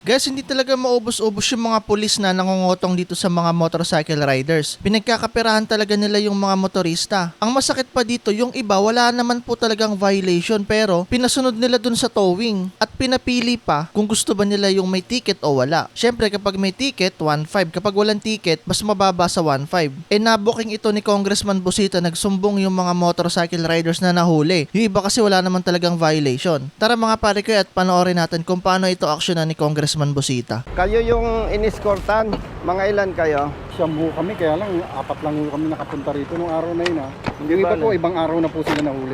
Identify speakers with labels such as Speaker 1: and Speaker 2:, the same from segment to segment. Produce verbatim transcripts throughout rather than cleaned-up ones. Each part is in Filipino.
Speaker 1: Guys, hindi talaga maubos-ubos yung mga pulis na nangungutong dito sa mga motorcycle riders. Pinagkakaperahan talaga nila yung mga motorista. Ang masakit pa dito, yung iba wala naman po talagang violation pero pinasunod nila dun sa towing at pinapili pa kung gusto ba nila yung may ticket o wala. Syempre kapag may ticket, one five. Kapag walang ticket, mas mababa sa one five. E nabuking ito ni Congressman Busita, nagsumbong yung mga motorcycle riders na nahuli. Yung iba kasi wala naman talagang violation. Tara mga pare ko at panoorin natin kung paano ito aksyonan ni Congressman Busita.
Speaker 2: Kayo yung iniskortan, mga ilan kayo?
Speaker 3: Siyam po kami, kaya lang apat lang po kami nakapunta rito nung araw na yun ha.
Speaker 2: Hindi
Speaker 3: Yung iba
Speaker 2: bale.
Speaker 3: po, ibang araw na po sila nahuli.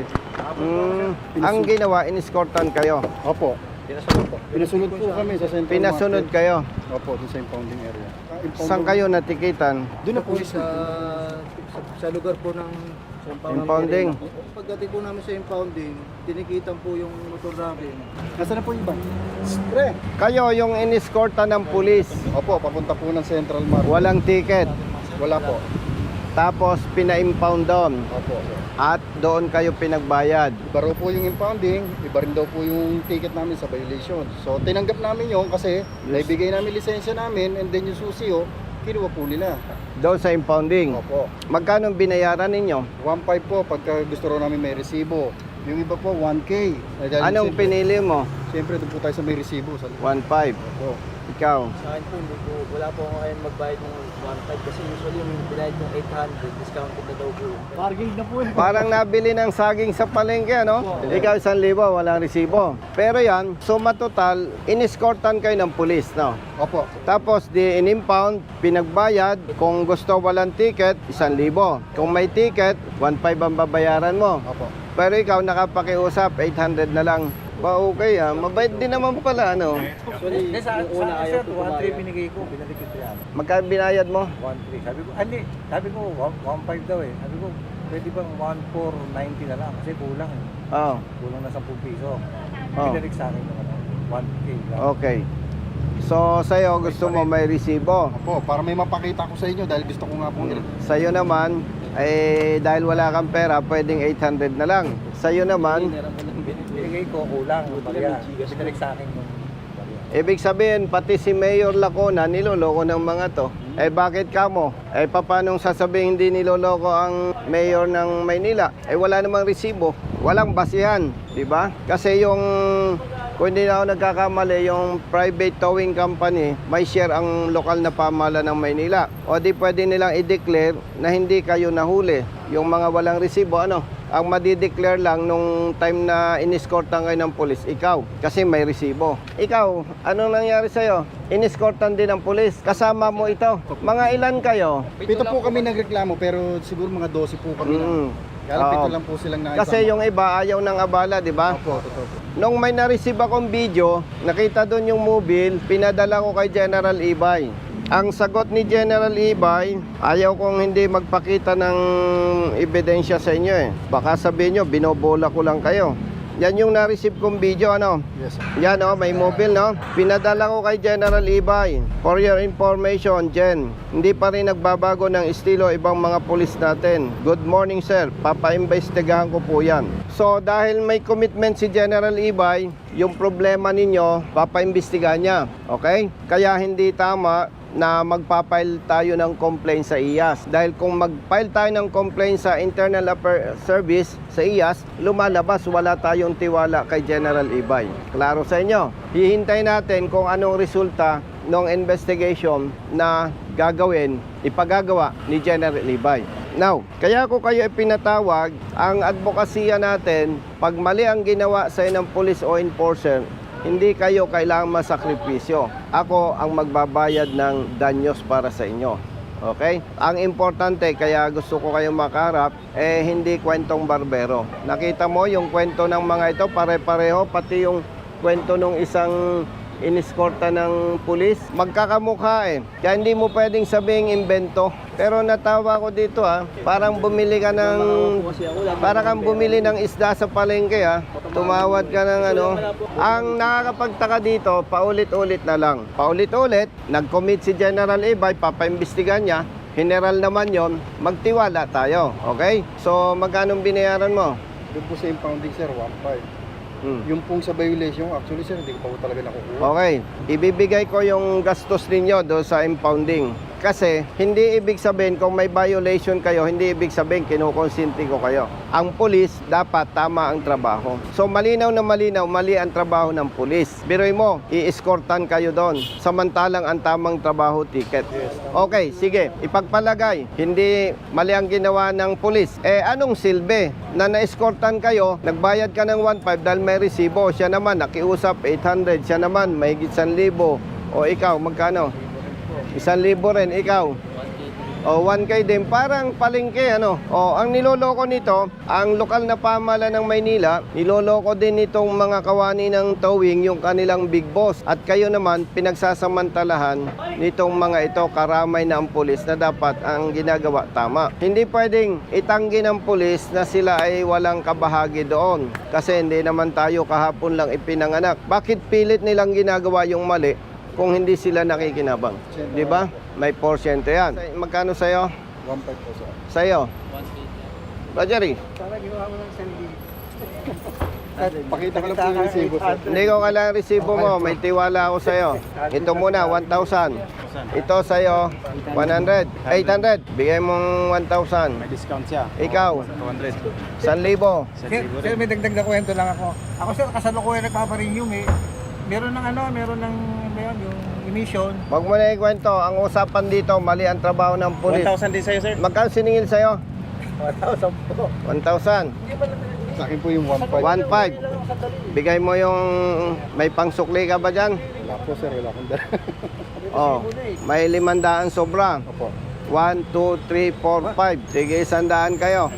Speaker 2: Mm, ang ginawa, iniskortan kayo.
Speaker 3: Opo. Pinasunod po kami sa Central
Speaker 2: Pinasunod
Speaker 3: Market.
Speaker 2: kayo.
Speaker 3: Opo, dun sa impounding area. Ah, impounding-
Speaker 2: Saan kayo natikitan?
Speaker 3: Doon na po
Speaker 4: po sa, sa, sa lugar po ng sa
Speaker 2: Impounding.
Speaker 4: Pagdating po namin sa impounding, tinikitan po yung motor namin.
Speaker 3: Nasaan na po yung iba? Pre!
Speaker 2: Kayo yung iniskortan ng pulis.
Speaker 3: Opo, papunta po ng Central Market.
Speaker 2: Walang ticket.
Speaker 3: Wala po.
Speaker 2: Tapos pina-impound doon.
Speaker 3: Opo.
Speaker 2: At doon kayo pinagbayad.
Speaker 3: Iba raw po yung impounding, iba rin daw po yung ticket namin sa violation. So tinanggap namin yun kasi naibigay namin lisensya namin and then yung susi oh, kinuha po nila.
Speaker 2: Doon sa impounding.
Speaker 3: Opo.
Speaker 2: Magkano binayaran ninyo?
Speaker 3: one five po pagka gusto raw namin may resibo. Yung iba po one K. Eh, dahil
Speaker 2: Anong
Speaker 3: siyempre-
Speaker 2: pinili mo?
Speaker 3: Siyempre doon po tayo sa may resibo sa
Speaker 2: one five.
Speaker 3: Opo.
Speaker 2: Ikaw?
Speaker 4: Sa akin po, hindi po, wala po ako ngayon magbayad ng one five kasi usually yung binayad yung eight hundred, discounted na daw po.
Speaker 3: Parking na po eh.
Speaker 2: Parang nabili ng saging sa palengke, ano? Ikaw isang libo, walang resibo. Pero yan, suma total, iniskortan kayo ng pulis, no?
Speaker 3: Opo.
Speaker 2: Tapos di in-impound, pinagbayad. Kung gusto walang ticket, isang libo. Kung may ticket, one five ang babayaran mo.
Speaker 3: Opo.
Speaker 2: Pero ikaw nakapakiusap, eight hundred na lang. Ba okay ah, mabait din naman pala, ano?
Speaker 4: Actually, yung una ayaw po
Speaker 5: one three
Speaker 4: kumayad.
Speaker 5: binigay ko, binalik ko yan.
Speaker 2: Magkano binayad mo?
Speaker 5: one three. Sabi ko, ah, hindi. Sabi ko, one five daw eh. Sabi ko, pwede bang one four ninety na lang? Kasi kulang eh.
Speaker 2: Oo.
Speaker 5: Kulang na ten piso.
Speaker 2: Oh.
Speaker 5: Binalik sa akin yung ano, one K lang.
Speaker 2: Okay. So, sa'yo gusto mo may resibo.
Speaker 3: Opo, para may mapakita ko sa inyo dahil gusto ko nga pong
Speaker 2: Sa'yo naman, eh, dahil wala kang pera, pwedeng eight hundred na lang. Sa'yo naman,
Speaker 5: Binigay ko, kulang. Barya. Binalik sa akin yung barya.
Speaker 2: ibig sabihin, pati si Mayor Lacona, niloloko ng mga to. Eh bakit kamo? Eh papanong sasabihin hindi niloloko ang Mayor ng Maynila? Eh wala namang resibo, walang basihan, di ba? Kasi yung, kung hindi na ako nagkakamali, yung private towing company, may share ang lokal na pamahalaan ng Maynila. O di pwede nilang i-declare na hindi kayo nahuli. Yung mga walang resibo, ano? Ang madi-declare lang nung time na iniskortan kayo ng pulis, ikaw, kasi may resibo. Ikaw, anong nangyari sa'yo? Iniskortan din ng pulis, kasama mo ito. Mga ilan kayo?
Speaker 3: Pito po kami nagreklamo pero siguro mga twelve po kami na.
Speaker 2: Mm.
Speaker 3: Kaya lang pito
Speaker 2: Oo.
Speaker 3: lang po silang nakisama.
Speaker 2: Kasi yung iba ayaw ng abala, di ba?
Speaker 3: Opo, totoo po.
Speaker 2: Nung may na-receive akong video, nakita doon yung mobile, pinadala ko kay General Ibay. Ang sagot ni General Ibay, ayaw kong hindi magpakita ng ebidensya sa inyo eh. Baka sabihin nyo, binobola ko lang kayo. Yan yung na-receive kong video, ano?
Speaker 3: Yes, sir.
Speaker 2: Yan oh, may mobile, no? Pinadala ko kay General Ibay. For your information, Gen, hindi pa rin nagbabago ng estilo ibang mga pulis natin. Good morning, sir. Papaimbestigahan ko po yan. So, dahil may commitment si General Ibay, yung problema ninyo, papaimbestigahan niya. Okay? Kaya hindi tama na magpapile tayo ng complaint sa I A S. Dahil kung mag-file tayo ng complaint sa Internal Affairs Service sa I A S, lumalabas wala tayong tiwala kay General Ibay. Klaro sa inyo? Hihintay natin kung anong resulta ng investigation na gagawin, ipagagawa ni General Ibay. Now, kaya ko kayo ipinatawag, ang advokasya natin, pag mali ang ginawa sa ng police o enforcer, hindi kayo kailangang masakripisyo. Ako ang magbabayad ng danyos para sa inyo. Okay? Ang importante, kaya gusto ko kayong makaharap, eh hindi kwentong barbero. Nakita mo yung kwento ng mga ito, pare-pareho, pati yung kwento ng isang iniskorta ng pulis. Magkakamukha eh. Kaya hindi mo pwedeng sabing invento. Pero natawa ko dito ah, parang bumili ka ng, parang kang bumili ng isda sa palengke ah. Tumawad ka ng ano. Ang nakakapagtaka dito, paulit-ulit na lang. Paulit-ulit, nag-commit si General Ibay, papaimbestigan niya. General naman yon, magtiwala tayo. Okay? So, magkano binayaran mo?
Speaker 3: Doon po sa impounding sir, one five.
Speaker 2: Hmm.
Speaker 3: Yung pong sa violation, actually sir, hindi ko pa po talaga nakukuha.
Speaker 2: Okay, ibibigay ko yung gastos ninyo do sa impounding. Kasi hindi ibig sabihin kung may violation kayo, hindi ibig sabihin kinukonsinti ko kayo. Ang pulis, dapat tama ang trabaho. So malinaw na malinaw, mali ang trabaho ng pulis. Biruin mo, i-escortan kayo doon. Samantalang ang tamang trabaho, ticket. Okay, sige, ipagpalagay, hindi mali ang ginawa ng pulis. Eh anong silbi na na-escortan kayo, nagbayad ka ng one five dahil may resibo, siya naman nakiusap eight hundred, siya naman may one thousand. O ikaw, magkano? Isang libo rin, ikaw. O, one K din. Parang palengke, ano. O, ang niloloko nito, ang lokal na pamahalaan ng Maynila, niloloko din nitong mga kawani ng towing yung kanilang big boss. At kayo naman, pinagsasamantalahan nitong mga ito, karamay na ang pulis na dapat ang ginagawa tama. Hindi pwedeng itanggi ng pulis na sila ay walang kabahagi doon. Kasi hindi naman tayo kahapon lang ipinanganak. Bakit pilit nilang ginagawa yung mali kung hindi sila nakikinabang? Di ba? May porsyento yan. Magkano sa'yo?
Speaker 3: one five po sir.
Speaker 2: Sa'yo? Rogery?
Speaker 5: Sana ginawa mo ng sandi.
Speaker 3: Pakita ko lang po yung resibo sir.
Speaker 2: Hindi ko kailangan resibo mo. May tiwala ako sa'yo. Ito muna, one thousand. Ito sa'yo, one hundred. eight hundred. Bigay mong one thousand.
Speaker 6: May discount siya.
Speaker 2: Ikaw,
Speaker 6: two hundred.
Speaker 2: one libo.
Speaker 5: Sir, sir, may dagdag na kwento lang ako. Ako sir, kasalukuyan nagpaparenew eh. Meron ng ano, meron ng ano yun, yung emission.
Speaker 2: Huwag mo na ikwento. Ang usapan dito, mali ang trabaho ng
Speaker 6: one
Speaker 2: pulis.
Speaker 6: thousand din sa'yo, sir.
Speaker 2: Magkano siningil sa'yo?
Speaker 5: one thousand po.
Speaker 2: one thousand.
Speaker 3: Sa akin po yung one five.
Speaker 2: one five. Bigay mo yung may pangsukli ka ba dyan?
Speaker 3: Wala po sir, wala akong dala.
Speaker 2: Oh, may limandaan sobra.
Speaker 3: Opo.
Speaker 2: one, two, three, four, five. Sige, isandaan kayo.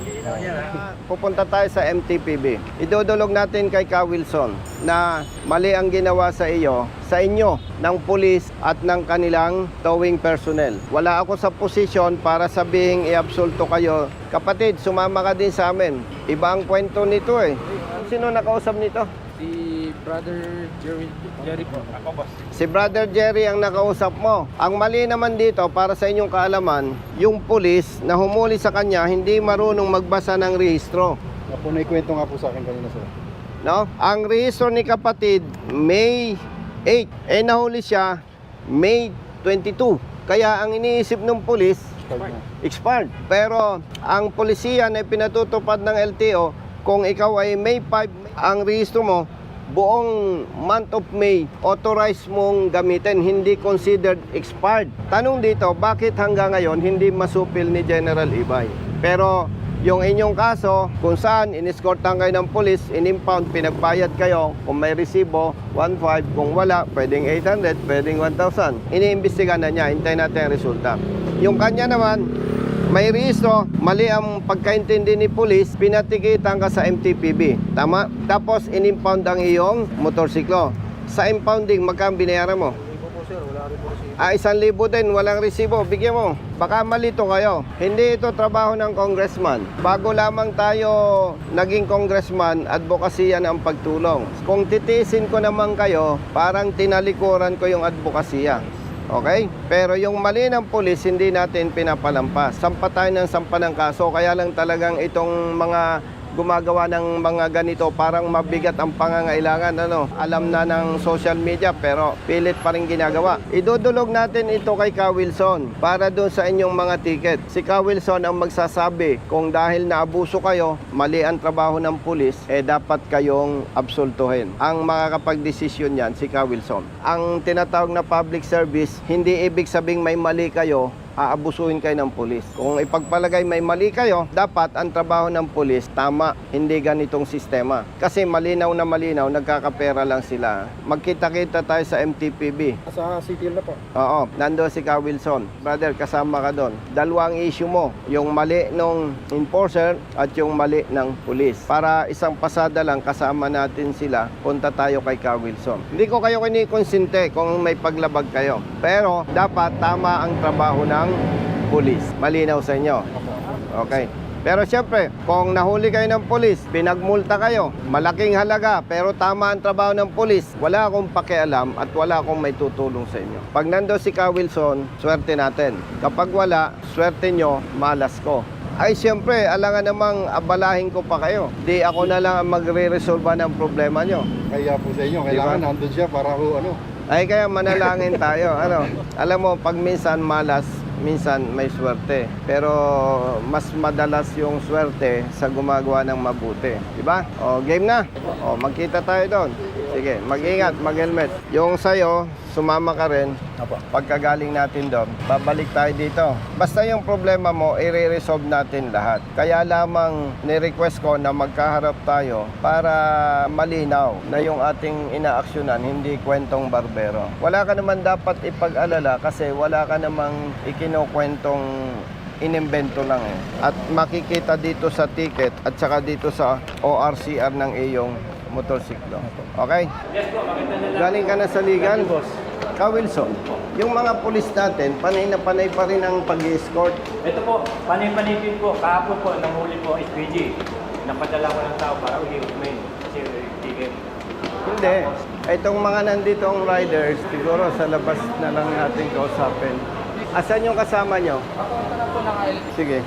Speaker 2: Pupunta tayo sa M T P B. Idudulog natin kay Ka Wilson na mali ang ginawa sa iyo, sa inyo, ng pulis at ng kanilang towing personnel. Wala ako sa posisyon para sabihing i-absolto kayo. Kapatid, sumama ka din sa amin. Iba ang kwento nito eh. Sino nakausap nito?
Speaker 4: Si Brother Jerry, Jerry po.
Speaker 6: Ako, boss.
Speaker 2: Si Brother Jerry ang nakausap mo. Ang mali naman dito, para sa inyong kaalaman, yung pulis na humuli sa kanya, hindi marunong magbasa ng rehistro.
Speaker 3: Nga po, naikwento nga po sa akin kanina sir.
Speaker 2: No? Ang rehistro ni kapatid, May eight. Eh, nahuli siya, May twenty-two. Kaya ang iniisip ng pulis,
Speaker 3: Card na.
Speaker 2: expired. Pero ang polisiya na pinatutupad ng L T O, kung ikaw ay May five, ang rehistro mo, buong month of May, authorized mong gamitin, hindi considered expired. Tanong dito, bakit hanggang ngayon hindi masupil ni General Ibay? Pero yung inyong kaso, kung saan in-escortan kayo ng police, in-impound, pinagbayad kayo, kung may resibo, one five, kung wala, pwedeng eight hundred, pwedeng one thousand. Iniimbestigahan na niya, hintayin natin ang resulta. Yung kanya naman, may rehistro, mali ang pagkaintindi ni police, pinatikitan ka sa M T P B. Tama? Tapos in-impound ang iyong motorsiklo. Sa impounding, magkano binayaran mo?
Speaker 5: Libo po sir, wala rin po resibo.
Speaker 2: Ah, isang libo din, walang resibo. Bigyan mo. Baka malito kayo. Hindi ito trabaho ng congressman. Bago lamang tayo naging congressman, advokasya ang pagtulong. Kung titiisin ko naman kayo, parang tinalikuran ko yung advokasya. Okay? Pero yung mali ng pulis, hindi natin pinapalampas. Sampa tayo ng sampa ng kaso. Kaya lang talagang itong mga gumagawa ng mga ganito, parang mabigat ang pangangailangan. Ano? Alam na ng social media, pero pilit pa rin ginagawa. Idudulog natin ito kay Ka Wilson para doon sa inyong mga ticket. Si Ka Wilson ang magsasabi kung dahil naabuso kayo, mali ang trabaho ng pulis, eh dapat kayong absoltuhin. Ang makakapag-desisyon yan, si Ka Wilson. Ang tinatawag na public service, hindi ibig sabing may mali kayo, aabusuhin kayo ng pulis. Kung ipagpalagay may mali kayo, dapat ang trabaho ng pulis tama, hindi ganitong sistema. Kasi malinaw na malinaw, nagkakapera lang sila. Magkita-kita tayo sa M T P B.
Speaker 3: Sa City Hall na po.
Speaker 2: Oo, nandoon si Ka Wilson. Brother, kasama ka doon. Dalawang issue mo, yung mali ng enforcer at yung mali ng pulis. Para isang pasada lang, kasama natin sila, punta tayo kay Ka Wilson. Hindi ko kayo kinikonsinte kung may paglabag kayo. Pero dapat tama ang trabaho ng pulis. Malinaw sa inyo. Okay. Pero siyempre, kung nahuli kayo ng pulis, pinagmulta kayo, malaking halaga, pero tama ang trabaho ng pulis, wala akong pakialam at wala akong may tutulong sa inyo. Pag nando si Ka Wilson, swerte natin. Kapag wala, swerte nyo, malas ko. Ay, siyempre, alangan namang abalahin ko pa kayo. Di ako na lang ang magre-resolve ng problema nyo.
Speaker 3: Kaya po sa inyo, kailangan nandun siya para ho, ano.
Speaker 2: Ay, kaya manalangin tayo. Ano? Alam mo, pag minsan malas, minsan may swerte. Pero mas madalas yung swerte sa gumagawa ng mabuti. Diba? O, game na. O, magkita tayo doon. Sige, mag-ingat, mag-helmet. Yung sa'yo, sumama ka rin. Pagkagaling natin doon, babalik tayo dito. Basta yung problema mo, i-resolve natin lahat. Kaya lamang ni-request ko na magkaharap tayo para malinaw na yung ating inaaksyonan, hindi kwentong barbero. Wala ka naman dapat ipag-alala kasi wala ka namang ikinukwentong inimbento lang eh. At makikita dito sa ticket at saka dito sa O R C R ng iyong motorsiklo. Okay? Galing ka na sa legal? Ka Wilson, yung mga pulis natin, panay na panay pa rin ang pag-escort.
Speaker 6: Ito po, panay-panay din po. Kahapon po, nanghuli po S P G. Napadala ko ng tao para ulit-ulit kasi ticket.
Speaker 2: Hindi. Itong mga nanditong riders, siguro sa labas na lang natin kausapin. Asan yung kasama nyo? Sige.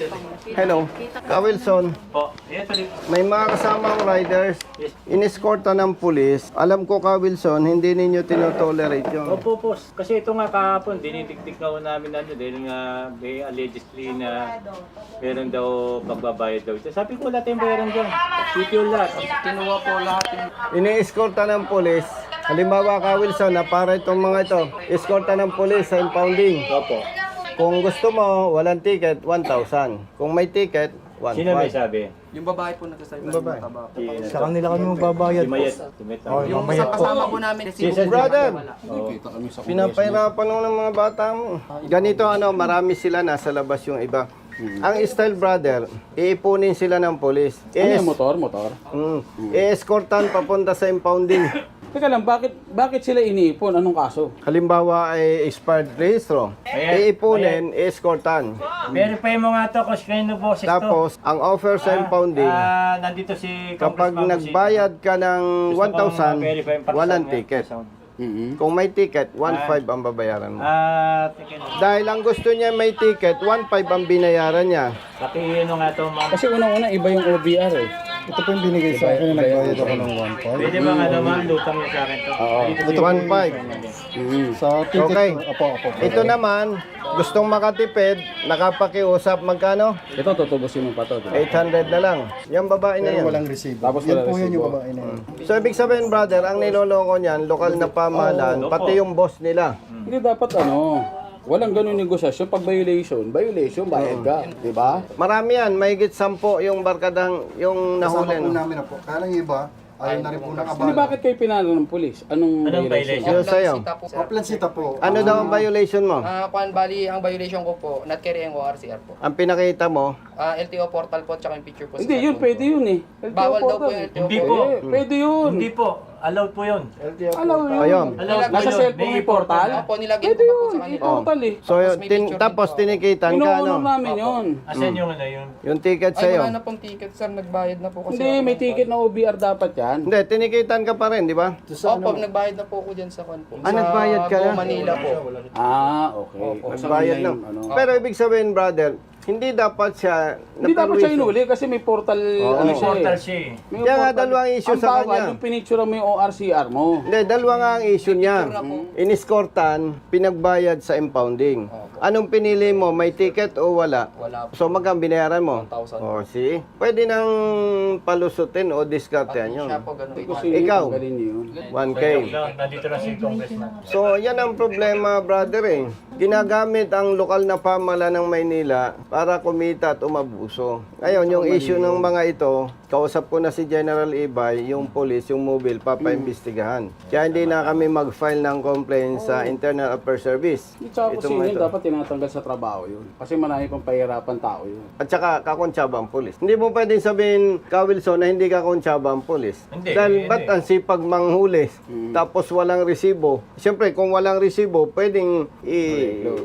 Speaker 2: Hello. Ka Wilson,
Speaker 6: Po, ito din.
Speaker 2: may mga kasamang riders, inescorta ng pulis. Alam ko, Ka Wilson, hindi ninyo tinotolerate yun.
Speaker 6: Opo po, kasi ito nga kahapon, dinitiktik na ko namin ano, dahil nga may allegedly na meron daw pagbabayad daw. Sabi ko lahat yung bayaran dyan. Titiyo lahat. Kinuha po lahat yung...
Speaker 2: Ini-escorta ng pulis. Halimbawa, Ka Wilson, na para itong mga ito, escorta ng pulis sa impounding.
Speaker 6: Opo.
Speaker 2: Kung gusto mo, walang ticket, one thousand. Kung may ticket, one
Speaker 6: Sino may
Speaker 2: five.
Speaker 6: sabi?
Speaker 7: Yung babae po nagsasabi
Speaker 2: Yung babae.
Speaker 7: ng
Speaker 5: Sa kanila kami magbabayad
Speaker 6: Si
Speaker 5: po.
Speaker 6: Mayet. Si Mayet.
Speaker 5: Oh,
Speaker 7: Yung
Speaker 5: mamaya
Speaker 7: sa
Speaker 5: po.
Speaker 7: kasama po namin, si
Speaker 6: Si
Speaker 2: Brother,
Speaker 6: Oh.
Speaker 2: pinapahirapan mo ng mga bata mo. Ganito ano, marami sila nasa labas yung iba. Ang style brother, iipunin sila ng polis.
Speaker 8: Ano
Speaker 2: Is,
Speaker 8: yung motor? Motor?
Speaker 2: mm, i-escortan papunta sa impounding.
Speaker 8: Teka lang, bakit bakit sila iniipon? Anong kaso?
Speaker 2: Halimbawa ay expired registro.
Speaker 6: Ayan.
Speaker 2: Iipunin, i-escortan.
Speaker 6: Verify mo nga to kung sino boses to.
Speaker 2: Tapos, ang offer sa impounding,
Speaker 6: Ah, nandito si
Speaker 2: kapag
Speaker 6: Congressman
Speaker 2: nagbayad ka ng
Speaker 6: Gusto
Speaker 2: one thousand,
Speaker 6: kong ma-verify yung paksa
Speaker 2: walang
Speaker 6: niya.
Speaker 2: ticket.
Speaker 8: Mm-hmm.
Speaker 2: Kung may ticket, one five ang babayaran mo.
Speaker 6: Ah, ticket.
Speaker 2: Dahil ang gusto niya may ticket, one five ang binayaran niya.
Speaker 6: Paki ano nga to, ma'am.
Speaker 8: Kasi unang-una, iba yung O B R eh.
Speaker 3: Ito po yung binigay sa akin na nagbayad ako ng one point.
Speaker 6: Pwede ba nga naman, lutang niya sa akin to?
Speaker 8: Oo.
Speaker 6: Dito
Speaker 2: Ito,
Speaker 6: si-
Speaker 2: one five.
Speaker 8: Mm-hmm.
Speaker 3: Sa ticket
Speaker 2: Okay.
Speaker 3: po, apo, apo.
Speaker 2: Ito naman, gustong makatipid, nakapakiusap, magkano?
Speaker 8: Ito, tutubusin mo pa to. diba?
Speaker 2: eight hundred na lang. Yung babae na
Speaker 3: Pero
Speaker 2: yan.
Speaker 3: walang resibo.
Speaker 8: Tapos
Speaker 3: Yan
Speaker 8: walang
Speaker 3: po yan yung
Speaker 8: resibo.
Speaker 3: babae na yan.
Speaker 2: So, ibig sabihin, brother, ang niloloko niyan, lokal na pamahalaan,
Speaker 6: Oo,
Speaker 2: pati yung boss nila.
Speaker 8: Hindi dapat ano, walang ganun negosasyon. Pag violation, violation, bayad ka. Di ba?
Speaker 2: Marami yan, mahigit sampo yung barkadang, yung
Speaker 3: Kasama
Speaker 2: nahuli.
Speaker 3: po
Speaker 2: no?
Speaker 3: namin na po. Kaya lang iba, ayaw na rin po ng
Speaker 8: Hindi,
Speaker 3: abala.
Speaker 8: bakit kayo pinalo ng polis? Anong,
Speaker 6: Anong
Speaker 8: violation?
Speaker 6: violation?
Speaker 2: Yung sa'yo.
Speaker 7: po.
Speaker 3: Paplansita po.
Speaker 2: Ano daw ang violation mo?
Speaker 7: Ah, kuan bali ang violation ko po, not carrying O R C R po.
Speaker 2: Ang pinakita mo,
Speaker 7: Ah, L T O portal po tsaka yung picture po. sa
Speaker 8: Hindi, yun,
Speaker 7: cellphone
Speaker 8: pwede
Speaker 7: po.
Speaker 8: yun eh. L T O
Speaker 7: Bawal daw po
Speaker 8: portal.
Speaker 7: yung L T O
Speaker 6: Hindi
Speaker 7: po.
Speaker 6: po.
Speaker 8: Eh, pwede yun.
Speaker 6: Hindi po. Allowed po yun.
Speaker 8: Alam mo yun.
Speaker 2: ayun.
Speaker 6: Allowed po
Speaker 8: Nasa
Speaker 6: yun.
Speaker 8: cellphone may portal?
Speaker 7: Opo, nilagyan
Speaker 8: Pwede
Speaker 7: ko pa po
Speaker 8: yun,
Speaker 7: sa kanila.
Speaker 8: i-portal eh.
Speaker 2: So,
Speaker 7: Tapos
Speaker 2: yun,
Speaker 7: may
Speaker 2: tin,
Speaker 7: picture
Speaker 2: tapos
Speaker 7: din po.
Speaker 2: tinikitan ka,
Speaker 8: Inuuno
Speaker 2: no?
Speaker 8: namin yun.
Speaker 6: Asan yung ano yun?
Speaker 2: Yung ticket
Speaker 7: Ay,
Speaker 2: sa'yo.
Speaker 7: wala na pong ticket, sir. Nagbayad na po kasi.
Speaker 8: Hindi,
Speaker 7: ako
Speaker 8: may
Speaker 7: ng
Speaker 8: ticket
Speaker 7: kwan.
Speaker 8: na O B R dapat yan.
Speaker 2: Hindi, tinikitan ka pa rin, di ba?
Speaker 7: Opo, nagbayad na po ako dyan sa kwan po.
Speaker 2: Ah, nagbayad ka
Speaker 7: Sa
Speaker 2: na?
Speaker 7: Go Manila po.
Speaker 8: Ah, okay. Kasi
Speaker 2: Bayad
Speaker 8: online,
Speaker 2: na.
Speaker 8: ano.
Speaker 2: Pero ibig sabihin, brother, hindi dapat siya
Speaker 8: Hindi dapat siya
Speaker 2: naperwisyo.
Speaker 8: inuli kasi may portal, ano
Speaker 6: May
Speaker 8: siya
Speaker 6: portal
Speaker 8: eh.
Speaker 6: siya eh.
Speaker 8: May
Speaker 2: Kaya nga,
Speaker 8: portal.
Speaker 2: dalawang issue
Speaker 8: Ang
Speaker 2: sa
Speaker 8: bawal,
Speaker 2: kanya.
Speaker 8: yung pinicture mo yung O R C R mo.
Speaker 2: Hindi, dalawa nga ang issue niya. Iniskortan, pinagbayad sa impounding. Anong pinili mo? May ticket o wala?
Speaker 7: Wala po.
Speaker 2: So magkano binayaran mo?
Speaker 7: one thousand.
Speaker 2: O, see? Pwede nang palusutin o diskartehan yun.
Speaker 7: Siya po ganun.
Speaker 8: Kasi
Speaker 2: Ikaw?
Speaker 8: tanggalin niyo yun.
Speaker 2: one K.
Speaker 6: No, nandito na si Congressman.
Speaker 2: So, yan ang problema, brother eh. Ginagamit ang lokal na pamahala ng Maynila para kumita at umabuso. Ngayon, yung issue ng mga ito, kausap ko na si General Ibay, yung police, yung mobile, papaimbestigahan. Kaya hindi na kami mag-file ng complaint sa Internal Affairs Service.
Speaker 8: Yung tsaka
Speaker 2: Itong
Speaker 8: kung sino yun,
Speaker 2: ito.
Speaker 8: dapat tinatanggal sa trabaho yun. Kasi marami pang pahirapan tao yun.
Speaker 2: At saka, kakontsaba ang polis. Hindi mo pwedeng sabihin, Ka Wilson, na hindi kakontsaba ang polis.
Speaker 6: Hindi,
Speaker 2: Dahil
Speaker 6: hindi.
Speaker 2: ba't ang sipag manghuli, tapos walang resibo? Siyempre, kung walang resibo, pwedeng i-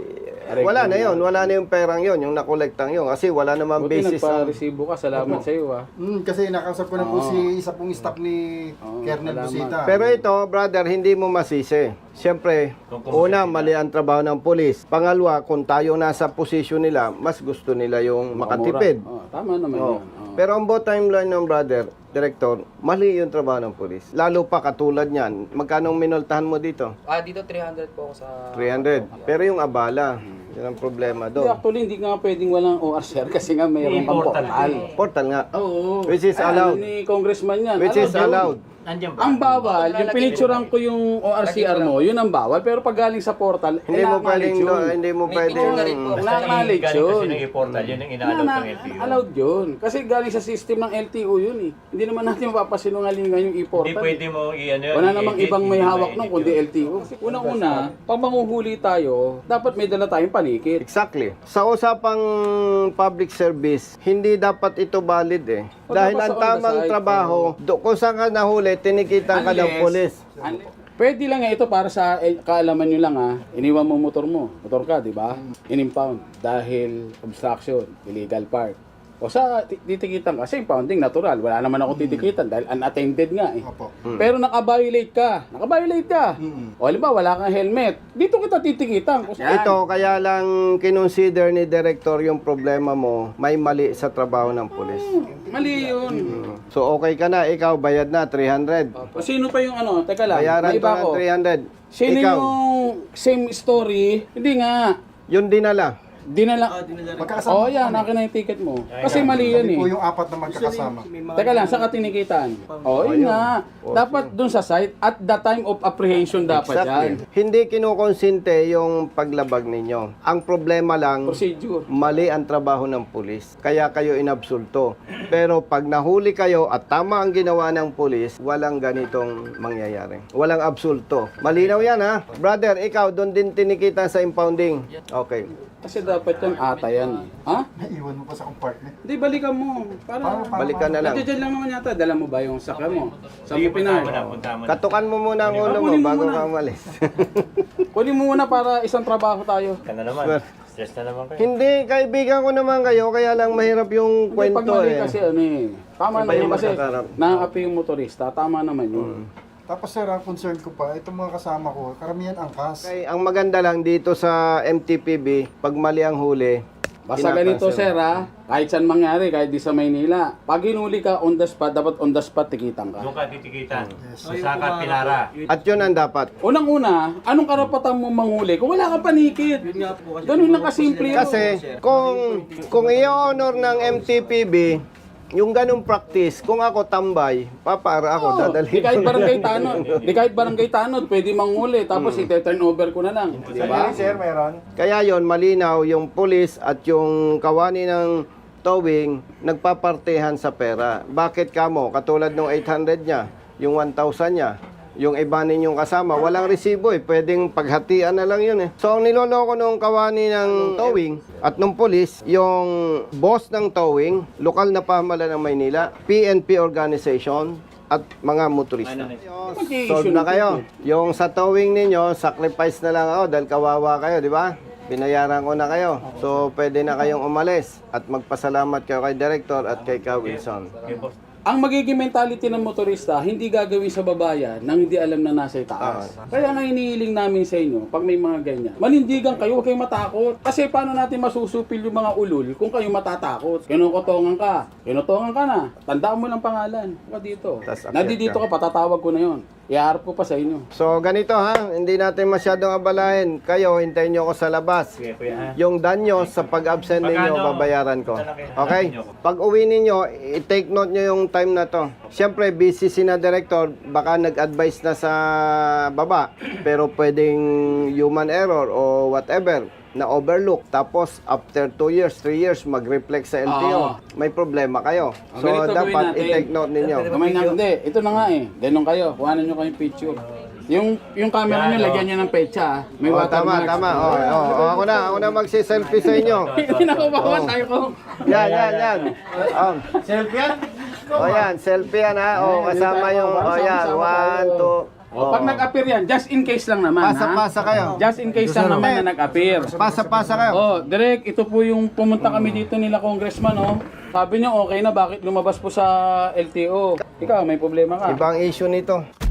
Speaker 2: Wala na yun, wala na yung perang yun, yung nakolektang yun. Kasi wala naman
Speaker 8: Buti
Speaker 2: basis ang...
Speaker 8: nagpa-resibo ka. Salamat sa iyo ah.
Speaker 3: Mm, kasi nakausap ko na po
Speaker 8: Oo.
Speaker 3: si isa pong staff ni
Speaker 8: Oo,
Speaker 3: Colonel
Speaker 8: salamat.
Speaker 3: Busita.
Speaker 2: Pero ito, brother, hindi mo masisi. Siyempre, una, mali ang trabaho ng pulis. Pangalawa, kung tayo nasa posisyon nila, mas gusto nila yung makatipid.
Speaker 8: Oh, tama naman
Speaker 2: Oo.
Speaker 8: yan. Oo.
Speaker 2: Pero ang bottom line ng brother, director, mali yung trabaho ng pulis. Lalo pa katulad niyan, magkano ang minultahan mo dito?
Speaker 7: Ah, dito three hundred po ako sa...
Speaker 2: three hundred. Pero yung abala, yun ang problema
Speaker 8: Hindi,
Speaker 2: doon.
Speaker 8: actually, hindi nga pwedeng walang O R sir kasi nga mayroon pang portal.
Speaker 2: Portal nga.
Speaker 8: Oo.
Speaker 2: Which is
Speaker 8: Ay,
Speaker 2: allowed.
Speaker 8: ano ni congressman yan.
Speaker 2: Which is
Speaker 8: yun.
Speaker 2: allowed.
Speaker 6: Nandiyan ba?
Speaker 8: Ang bawal, yung pinicturean ko yung O R C R mo, yun ang bawal. Pero pag galing sa portal,
Speaker 2: Hindi mo
Speaker 8: ina-acknowledge
Speaker 2: pwedeng,
Speaker 8: yun.
Speaker 2: no, hindi mo
Speaker 7: May
Speaker 2: pwedeng...
Speaker 7: picture na rin po.
Speaker 8: Ina-acknowledge
Speaker 6: Galing
Speaker 8: yun.
Speaker 6: kasi ng i-portal, yun ang inaalok
Speaker 8: Na-
Speaker 6: ng L T O.
Speaker 8: Allowed yun. Kasi galing sa system ng L T O yun eh. Hindi naman natin mapapasinungalingan yung
Speaker 6: Hindi
Speaker 8: e-portal.
Speaker 6: pwede mo i-ano yun.
Speaker 8: Wala namang
Speaker 6: i-edit,
Speaker 8: ibang may
Speaker 6: hindi
Speaker 8: hawak
Speaker 6: ma-edit
Speaker 8: nung kundi
Speaker 6: yun.
Speaker 8: L T O. Unang-una, pag manguhuli tayo, dapat may dala tayong panikit.
Speaker 2: Exactly. Sa usapang public service, hindi dapat ito valid eh.
Speaker 8: O,
Speaker 2: Dahil
Speaker 8: dapat
Speaker 2: ang
Speaker 8: sa on the
Speaker 2: tamang
Speaker 8: side,
Speaker 2: trabaho, do, kung saan ka nahuli, tinikitan ka ng
Speaker 8: Unless-
Speaker 2: pulis.
Speaker 8: Unle- Pwede lang nga ito para sa eh, kaalaman nyo lang ha. Iniwan mo motor mo. Motor ka, di ba? In-impound dahil obstruction, illegal park. O sa ti- titikitan kasi impounding natural. Wala naman ako titikitan dahil unattended nga eh.
Speaker 3: Opo.
Speaker 8: Pero naka-violate ka. Naka-violate ka. O halimbawa, wala kang helmet. Dito kita titikitan. Kung saan.
Speaker 2: Ito, kaya lang kinonsider ni Director yung problema mo, may mali sa trabaho ng pulis.
Speaker 8: Mali yun.
Speaker 2: So okay ka na, ikaw bayad na three hundred.
Speaker 8: O sino pa yung ano? Teka lang.
Speaker 2: Bayaran
Speaker 8: may
Speaker 2: ko
Speaker 8: iba
Speaker 2: ng
Speaker 8: ko.
Speaker 2: three hundred.
Speaker 8: Sino
Speaker 2: Ikaw,
Speaker 8: yung same story? Hindi nga.
Speaker 2: yun dinala.
Speaker 8: Dinala.
Speaker 3: Magkakasama
Speaker 8: Oh,
Speaker 3: po
Speaker 8: yan,
Speaker 3: kami.
Speaker 8: akin na yung ticket mo. Kasi mali yan
Speaker 3: Kami
Speaker 8: eh.
Speaker 3: po yung apat na magkakasama.
Speaker 8: Teka lang, saan ka tinikitan? Oh, yun nga. Dapat dun sa site, at the time of apprehension dapat yan.
Speaker 2: Hindi kinukonsinte yung paglabag ninyo. Ang problema lang,
Speaker 8: Procedure.
Speaker 2: mali ang trabaho ng pulis. Kaya kayo inabsulto. Pero pag nahuli kayo at tama ang ginawa ng pulis, walang ganitong mangyayari. Walang absulto. Malinaw yan ha. Brother, ikaw doon din tinikita sa impounding. Okay.
Speaker 8: Kasi dapat yan ata yan eh. Ha?
Speaker 3: Naiwan mo pa sa compartment.
Speaker 8: Hindi, balikan mo. Para,
Speaker 2: Balikan na lang.
Speaker 8: nandiyan lang naman yata. Dala mo ba yung sakya mo? Sa
Speaker 6: Sige,
Speaker 8: mo
Speaker 6: punta
Speaker 8: pinay.
Speaker 6: mo na, punta mo na.
Speaker 2: Katukan mo muna ang ulo mo
Speaker 8: Kunin mo
Speaker 2: bago
Speaker 8: muna.
Speaker 2: ka umalis.
Speaker 8: Kunin mo muna para isang trabaho tayo.
Speaker 6: Ka na naman. Stress na naman kayo.
Speaker 2: Hindi, kaibigan ko naman kayo, kaya lang mahirap yung
Speaker 8: Hindi, pag
Speaker 2: kwento
Speaker 8: mali
Speaker 2: eh.
Speaker 8: kasi ano eh. Tama
Speaker 2: Iba
Speaker 8: naman
Speaker 2: yung
Speaker 8: kasi
Speaker 2: magkakarap.
Speaker 8: nakakapi yung motorista. Tama naman yun.
Speaker 3: Tapos sir, ang concern ko pa, itong mga kasama ko, karamihan angkas.
Speaker 2: Okay, ang maganda lang dito sa M T P B, pag mali ang huli,
Speaker 8: Basta ganito sir ha, kahit saan mangyari, kahit di sa Maynila, pag hinuli ka on the spot, dapat on the spot tikitan ka.
Speaker 6: Doon ka titikitan. Sa Saka Pilara.
Speaker 2: at yun ang dapat.
Speaker 8: Unang-una, anong karapatan mo manghuli kung wala kang panikit? Ganun lang kasimple yun.
Speaker 2: Kasi kung kung i-honor ng M T P B, yung ganung practice, kung ako tambay, papara ako,
Speaker 8: Oo,
Speaker 2: dadalhin
Speaker 8: di kahit
Speaker 2: ko.
Speaker 8: barangay tanod, di kahit barangay tanod, pwede manghuli, tapos i-turn over ko na lang. Di ba?
Speaker 3: Sir, meron?
Speaker 2: Kaya yon malinaw, yung pulis at yung kawani ng towing, nagpapartehan sa pera. Bakit kamo? Katulad ng eight hundred niya, yung one thousand niya, yung iba ninyong kasama, walang resibo eh. Pwedeng paghatian na lang yun eh. So, ang niloloko nung kawani ng towing at nung polis, yung boss ng towing, lokal na pamahalaan ng Maynila, P N P organization, at mga motorista. Solve na kayo. Yung sa towing ninyo, sacrifice na lang ako dahil kawawa kayo, di ba? Binayaran ko na kayo. So, pwede na kayong umalis at magpasalamat kayo kay Director at kay Ka Wilson.
Speaker 6: Okay, boss.
Speaker 8: Ang magiging mentality ng motorista, hindi gagawin sa babayan nang hindi alam na nasa itaas. Kaya nga inihiling namin sa inyo, pag may mga ganyan, manindigan kayo, huwag kayong matakot. Kasi paano natin masusupil yung mga ulul kung kayo matatakot? Kinukotongan ka, kinutongan ka na, tandaan mo lang pangalan. Huwag dito.
Speaker 2: Tas accept
Speaker 8: Nandito
Speaker 2: ka.
Speaker 8: ka, patatawag ko na yon. Iharap ko pa sa inyo.
Speaker 2: So, ganito ha, hindi natin masyadong abalahin. Kayo, hintayin nyo ako sa labas.
Speaker 6: Sige, kuya. ha?
Speaker 2: Yung danyo sa pag-absent ninyo,
Speaker 6: Magkano?
Speaker 2: babayaran ko.
Speaker 6: Malaki.
Speaker 2: Okay? Pag uwi ninyo, i-take note nyo yung time na to. Siyempre, busy si na director, baka nag-advise na sa baba, pero pwedeng human error o whatever na overlook. Tapos, after two years, three years, mag-reflect sa L T O.
Speaker 8: Ah.
Speaker 2: May problema kayo.
Speaker 8: Ah,
Speaker 2: So,
Speaker 8: ganito gawin
Speaker 2: dapat
Speaker 8: natin.
Speaker 2: i-take note ninyo.
Speaker 8: Kamay na, hindi. Ito na nga eh. Ganun kayo. Kuhanan nyo kayong picture. Yung yung camera nyo,
Speaker 6: Yan,
Speaker 8: lagyan nyo ng petsa. ah. May
Speaker 2: Oh, tama,
Speaker 8: watermark.
Speaker 2: tama. Oh, oh, oh, ako na, ako na magsi-selfie sa inyo.
Speaker 8: Pinakabawan tayo ko.
Speaker 2: Yan, yan, yan. Um, selfie yan? O yan, selfie yan ha. O, kasama yung, o yan, one, two.
Speaker 8: O, pag nag-appear yan, just in case lang naman, ha?
Speaker 2: Pasa-pasa kayo.
Speaker 8: Just in case lang naman na nag-appear.
Speaker 2: Pasa-pasa kayo.
Speaker 8: Oh, Direk, ito po yung pumunta kami dito nila congressman, oh. Sabi niyo okay na, bakit lumabas po sa L T O? Ikaw, may problema ka.
Speaker 2: Ibang issue nito.